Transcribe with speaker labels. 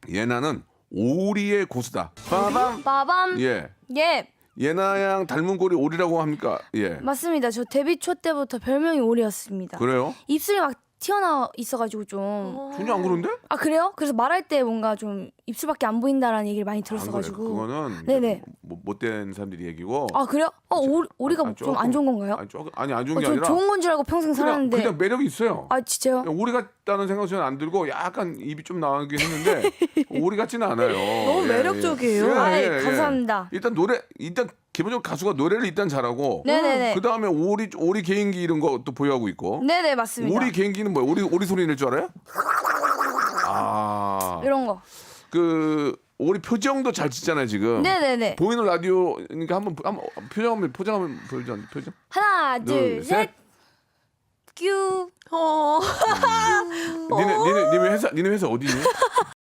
Speaker 1: 예나는 오리의 고수다. 빠밤.
Speaker 2: 빠밤.
Speaker 1: 예.
Speaker 2: 예.
Speaker 1: 예나 양 닮은 꼴이 오리라고 합니까? 예.
Speaker 2: 맞습니다. 저 데뷔 초 때부터 별명이 오리였습니다.
Speaker 1: 그래요?
Speaker 2: 입술이 막 튀어나와 있어가지고 좀.
Speaker 1: 전혀 안 그런데?
Speaker 2: 아 그래요? 그래서 말할 때 뭔가 좀 입술밖에 안 보인다라는 얘기를 많이
Speaker 1: 안 그래.
Speaker 2: 들었어가지고.
Speaker 1: 그거는
Speaker 2: 네네.
Speaker 1: 못된 사람들이 얘기고.
Speaker 2: 아 그래요? 오리가 좀 안 좋은 건가요?
Speaker 1: 아니 안 좋은 게
Speaker 2: 저
Speaker 1: 아니라
Speaker 2: 좋은 건 줄 알고 평생 살았는데.
Speaker 1: 그냥 매력이 있어요.
Speaker 2: 아 진짜요?
Speaker 1: 오리 같다는 생각은 저는 안 들고 약간 입이 좀 나가긴 했는데 오리 같지는 않아요.
Speaker 3: 너무 매력적이에요.
Speaker 2: 아이, 감사합니다.
Speaker 1: 일단 기본적으로 가수가 노래를 일단 잘하고
Speaker 2: 네네네.
Speaker 1: 그 다음에 오리 개인기 이런 것도 보유하고 있고.
Speaker 2: 네네 맞습니다.
Speaker 1: 오리 개인기는 뭐예요? 오리 소리 낼 줄 알아요? 아,
Speaker 2: 이런 거.
Speaker 1: 그 오리 표정도 잘 짓잖아요 지금.
Speaker 2: 네네네.
Speaker 1: 보이는 라디오니까 한번 포장 한번 보여줘. 표정.
Speaker 2: 하나
Speaker 1: 둘,
Speaker 2: 둘 셋. 큐.
Speaker 3: 어.
Speaker 1: 니네 회사 어디니?